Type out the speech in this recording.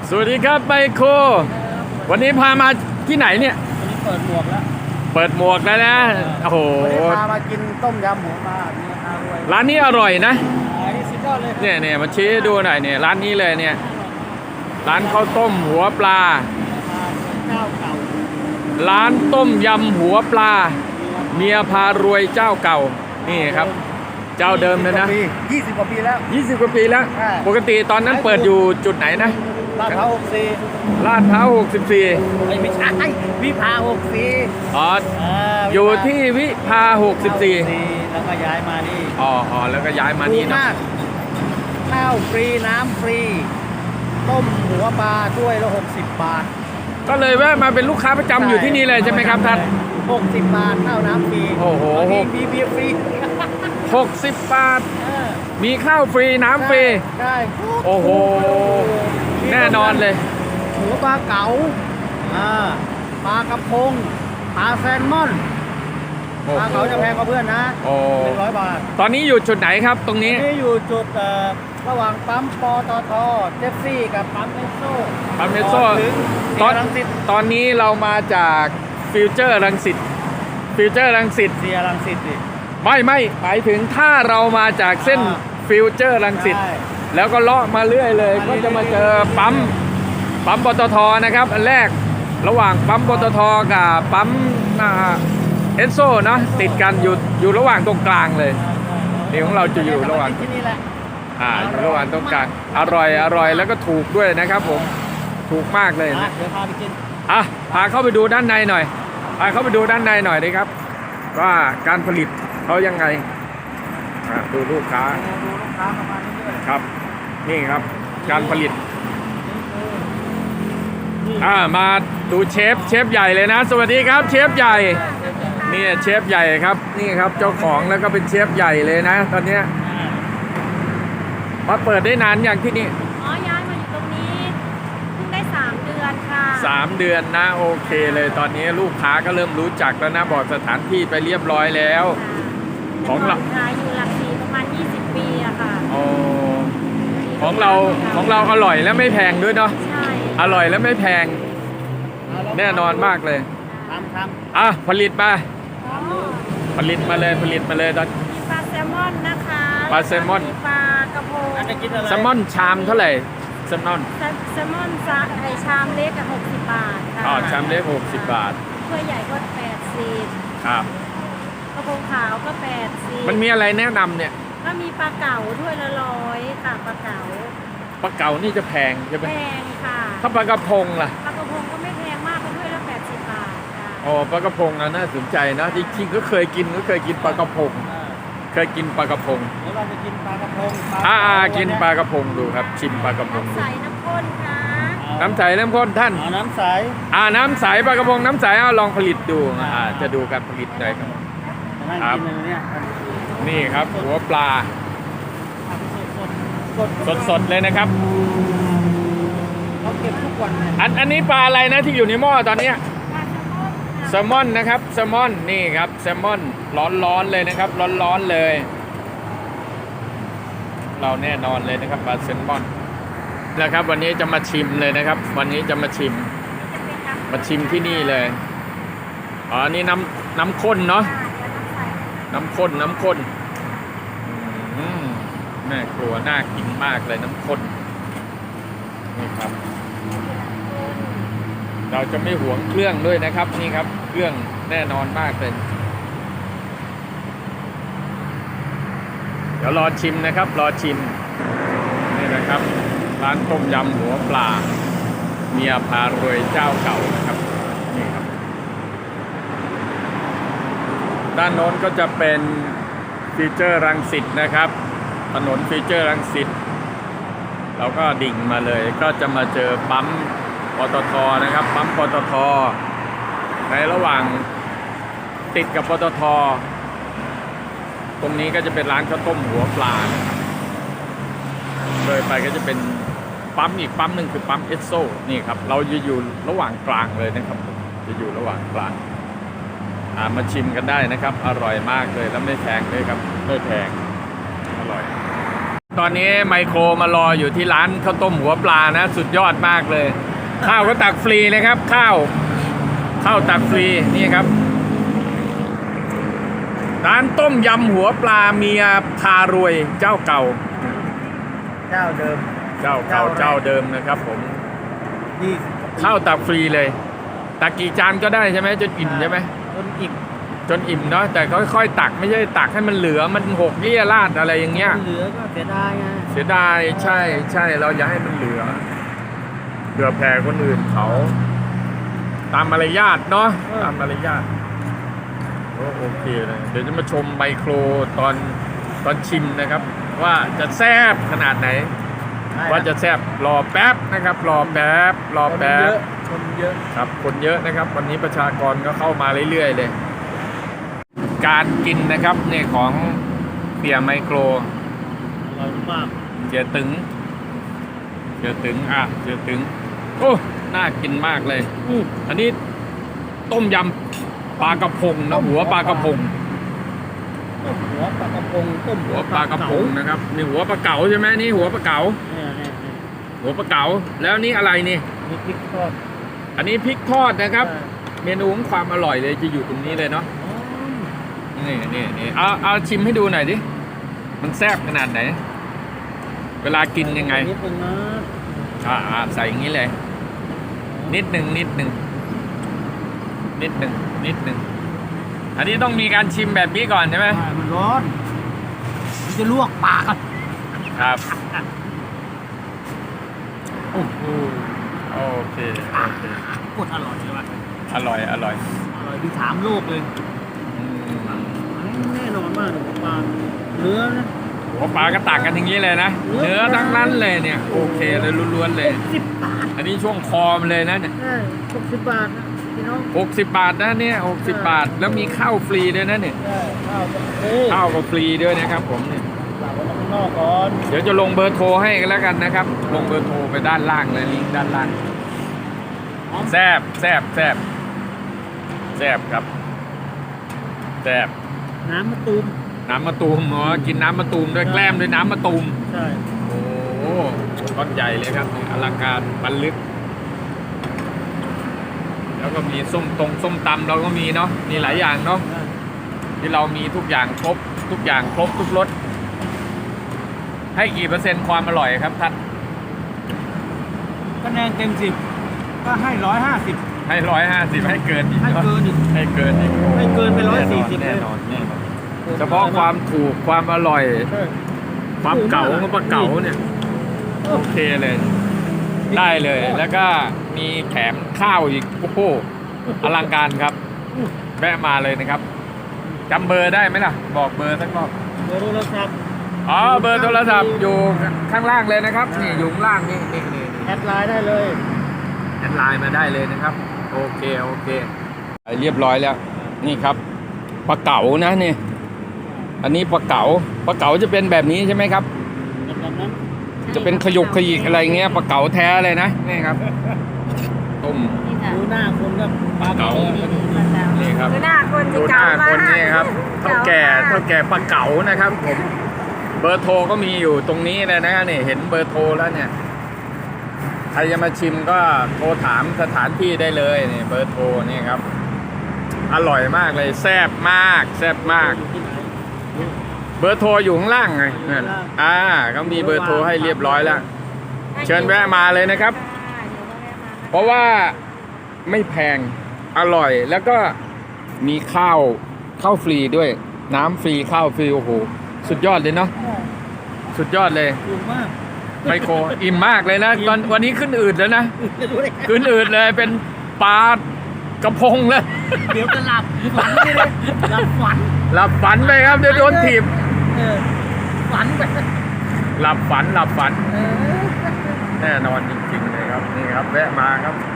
สวัสดีครับไมโครวันนี้พามาที่ไหนเนี่ยวันนี้เปิดหมวกแล้วเปิดหมวกแล้วนะโอ้โหวันนี้พามากินต้มยำหมูปลามีอาด้วยร้านนี้อร่อยนะอันนี้สุดยอดเลยเนี่ยมาชี้ดูหน่อยเนี่ยร้านนี้เลยเนี่ยร้านข้าวต้มหัวปลาเจ้าเก่าร้านต้มยำหัวปลาเมียพารวยเจ้าเก่านี่ครับเจ้าเดิมเลยนะ 20 กว่าปีแล้ว 20 กว่าปีแล้วปกติตอนนั้นเปิดอยู่จุดไหนนะลาดพร้าว64 ลาดพร้าว64 ไม่ใช่วิภา64 อ๋ออยู่ที่วิภา64 แล้วก็ย้ายมานี่อ๋อแล้วก็ย้ายมานี่นะข้าวฟรีน้ำฟรีต้มหัวปลาถ้วยละ60 บาทก็เลยแวะมาเป็นลูกค้าประจำอยู่ที่นี่เลยใช่ไหมครับท่าน 60 บาทข้าวน้ำฟรีโอ้โหมีเบียร์ฟรี 60 บาทมีข้าวฟรีน้ำฟรีใช่โอ้โหแน่นอนเลยหัวปลาเก๋าปลากระพงปลาแซลมอนปลาเก๋าจะแพงกว่าเพื่อนนะ100 บาทตอนนี้อยู่จุดไหนครับตรงนี้อยู่จุดระหว่างปั๊มปตทเจฟฟี่กับปั๊มเอสโซตอนนี้เรามาจากฟิวเจอร์รังสิตเสียรังสิตดิไม่หมายถึงถ้าเรามาจากเส้นฟิวเจอร์รังสิตแล้วก็เลาะมาเรื่อยเลยก็จะมาเจอปั๊มปตทนะครับอันแรกระหว่างปั๊มปตทกับปั๊มเอสโซนะติดกันอยู่ระหว่างตรงกลางเลยนี่ของเราจะอยู่ระหว่างที่นี่แหละอยู่ระหว่างตรงกลางอร่อยแล้วก็ถูกด้วยนะครับผมถูกมากเลยนะเดี๋ยวพาไปกินพาเข้าไปดูด้านในหน่อยดีครับว่าการผลิตเขายังไงดูลูกค้าประมาณนี้ด้วยครับนี่ครับการผลิตมาดูเชฟใหญ่เลยนะสวัสดีครับเชฟใหญ่นี่เชฟใหญ่ครับนี่ครับเจ้าของแล้วก็เป็นเชฟใหญ่เลยนะตอนนี้มาเปิดได้นานอย่างที่นี่ย้ายมาอยู่ตรงนี้เพิ่งได้3 เดือนค่ะ 3 เดือนนะโอเคเลยตอนนี้ลูกค้าก็เริ่มรู้จักแล้วนะบอกสถานที่ไปเรียบร้อยแล้วของเราอยู่หลักสี่ประมาณ20 ปีอะค่ะของเราอร่อยและไม่แพงด้วยเนาะใช่อร่อยและไม่แพงแน่นอนมากเลยผลิตมาตอนมีปลาแซลมอนนะคะปลาแซลมอนปลากระพงแซลมอนชามเท่าไหร่แซลมอนชามเล็ก60 บาทค่ะชามเล็ก60 บาทถ้วยใหญ่ก็80 ครับกระพงขาวก็80 มันมีอะไรแนะนำเนี่ยก็มีปลาเก๋าถ้วยละ100ค่ะปลาเก๋านี่จะแพงใช่ไหมแพงค่ะถ้าปลากระพงล่ะปลากระพงก็ไม่แพงมากถ้วยละ80 บาทค่ะปลากระพงน่าสนใจนะจริงๆก็เคยกินปลากระพงกินปลากระพงเดี๋ยวเราไปกินปลากระพงกินปลากระพงดูครับชิมปลากระพงน้ำใสน้ำข้นค่ะน้ำใสน้ำข้นท่านน้ำใสน้ำใสปลากระพงน้ำใสลองผลิตดูจะดูการผลิตหน่อยครับนี่ครับหัวปลาสดเลยนะครับเราเก็บทุกวันอันนี้ปลาอะไรนะที่อยู่ในหม้อตอนนี้แซลมอนนะครับแซลมอนนี่ครับแซลมอนร้อนเลยนะครับร้อนเลยเราแน่นอนเลยนะครับปลาแซลมอนนะครับวันนี้จะมาชิมเลยนะครับวันนี้จะมาชิมที่นี่เลยนี่น้ำข้นเนาะน้ำข้นแม่ครัวน่ากินมากเลยน้ำข้นนี่ครับเราจะไม่หวงเครื่องด้วยนะครับนี่ครับเครื่องแน่นอนมากเลยเดี๋ยวรอชิมนะครับนี่นะครับร้านต้มยำหัวปลาเมียพารวยเจ้าเก่านะครับนี่ครับด้านโน้นก็จะเป็นฟิวเจอร์รังสิตนะครับถนนฟิวเจอร์รังสิตเราก็ดิ่งมาเลยก็จะมาเจอปั๊มปตทนะครับปั๊มปตทในระหว่างติดกับปตทตรงนี้ก็จะเป็นร้านข้าวต้มหัวปลาเลยไปก็จะเป็นปั๊มอีกปั๊มหนึ่งคือปั๊มเอสโซนี่ครับเราจะอยู่ระหว่างกลางเลยนะครับจะอยู่ระหว่างกลางมาชิมกันได้นะครับอร่อยมากเลยแล้วไม่แพงเลยครับไม่แพงอร่อยตอนนี้ไมโครมารออยู่ที่ร้านข้าวต้มหัวปลานะ สุดยอดมากเลย ข้าวก็ตักฟรีเลยครับ ข้าวตักฟรีนี่ครับ ร้านต้มยำหัวปลาเมียพารวยเจ้าเก่าเจ้าเดิมเจ้าเก่าเจ้าเดิมนะครับผมนี่ข้าวตักฟรีเลยตักกี่จานก็ได้ใช่ไหมจนอิ่มใช่ไหมต้นอิ่มจนอิ่มเนาะแต่ค่อยๆตักไม่ใช่ตักให้มันเหลือมันหกเลี่ยราดอะไรอย่างเงี้ยเหลือก็เสียดายไงเสียดายใช่เราอย่าให้มันเหลือแผ่คนอื่นเขาตามมารยาทเนาะตามมารยาทโอเคเลยเดี๋ยวจะมาชมไมโครตอนชิมนะครับ ว่าจะแซ่บขนาดไหน ว่าจะแซ่บรอแป๊บนะครับรอแป๊บคนเยอะครับคนเยอะนะครับ วันนี้ประชากรก็เข้ามาเรื่อยๆเลย การกินนะครับเนี่ยของเปียไมโครอร่อยมากเจียตึงเจียตึงโอ้น่ากินมากเลย อันนี้ต้มยำปลากระพงนะหัวปลากระพงต้มหัวปลากระพงต้มหัวปลากระพงนะครับนี่หัวปลาเก๋าใช่ไหมนี่หัวปลาเก๋าเนี่ยหัวปลาเก๋าแล้วนี่อะไรนี่มีพริกทอดอันนี้พริกทอดนะครับ เมนูของความอร่อยเลยจะอยู่ตรงนี้เลยเนาะนี่เอาชิมให้ดูหน่อยดิมันแซ่บขนาดไหน เวลากินยังไงนิดนึงนะใส่อย่างนี้เลย นิดหนึ่งอันนี้ต้องมีการชิมแบบนี้ก่อนใช่ไหมมันร้อนมันจะลวกปากอะครับโอ้โหโอเคกดอร่อยเลยว่ะอร่อยอร่อยที่ถามโลกเลยอืมแน่นอนมากเลยปลาเนื้อนะหัวปลาก็ตักกันอย่างนี้เลยนะ เนื้อทั้งนั้นเลยเนี่ย โอเคเลยล้วนๆเลย 10 บาทอันนี้ช่วงคอมเลยนะเนี่ยใช่60 บาทนะพี่น้อง 60 บาทนะเนี่ย60 บาท แล้วมีข้าวฟรีด้วยนะเนี่ยใช่ข้าวก็ฟรีข้าวก็ฟรีด้วยนะครับผมเนี่ยฝากไว้ข้างนอกก่อนเดี๋ยวจะลงเบอร์โทรให้กันแล้วกันนะครับ ลงเบอร์โทรไปด้านล่างเลยลิงก์ด้านล่างแซบครับแซบน้ำมะตูมน้ำมะตูมกินน้ำมะตูมด้วยแกล้มด้วยน้ำมะตูมใช่โอ้โหก้อนใหญ่เลยครับอลังการบรรลึก แล้วก็มีส้มตำเราก็มีเนาะมีหลายอย่างเนาะที่เรามีทุกอย่างครบทุกรสให้กี่เปอร์เซ็นต์ความอร่อยครับท่านคะแนนเต็ม10ก็ให้150 ให้150ให้เกินอีกให้เนาะเกินอีกให้เกินอีกให้เกินไป140 แน่นอนเฉพาะความถูกความอร่อย ความเก่าของปลาเก๋าเนี่ยโอเคเลย ได้เลย แล้วก็มีแถมข้าวอีกโอ้โหอลังการครับแวะมาเลยนะครับจำเบอร์ได้ไหมล่ะ บอกเบอร์สักรอบเบอร์โทรศัพท์อ๋อเบอร์โทรศัพท์อยู่ข้างล่างเลยนะครับนี่อยู่ข้างล่างนี่แอดไลน์ได้เลยแอดไลน์มาได้เลยนะครับโอเคเรียบร้อยแล้วนี่ครับปลาเก๋านะนี่อันนี้ปลาเก๋าจะเป็นแบบนี้ใช่ไหมครับแบบนั้นจะเป็นขยุกขยิกอะไรเงี้ยปลาเก๋าแท้เลยนะนี่ครับต้มนี่ค่ะดูหน้าคนก็ปลาเก๋า นี่ครับดูหน้าคนดูที่หน้าเก่าคนมากนี่ครับเท่าแก่ปลาเก๋านะครับผมเบอร์โทรก็มีอยู่ตรงนี้เลยนะนี่เห็นเบอร์โทรแล้วเนี่ยใครจะมาชิมก็โทรถามสถานที่ได้เลยนี่เบอร์โทรนี่ครับอร่อยมากเลยแซ่บมากอยู่ที่ไหนเบอร์โทรอยู่ข้างล่างไงนั่นเขามีเบอร์โทรให้เรียบร้อยแล้ว เชิญแวะมาเลยนะครับ เพราะว่าไม่แพงอร่อยแล้วก็มีข้าวฟรีด้วยน้ำฟรีข้าวฟรีโอ้โหสุดยอดเลยเนาะสุดยอดเลยถูกมากไมโครอิ่มมากเลยนะตอนวันนี้ขึ้นอืดแล้วนะจะรู้ได้ไงขึ้นอืดเลยเป็นปลากระพงเลยเดี๋ยวจะหลับฝันไปเลยหลับฝันหลับฝันไปครับเดี๋ยวโดนถีบฝันไปหลับฝันเออแน่นอนจริงๆเลยครับนี่ครับแวะมาครับ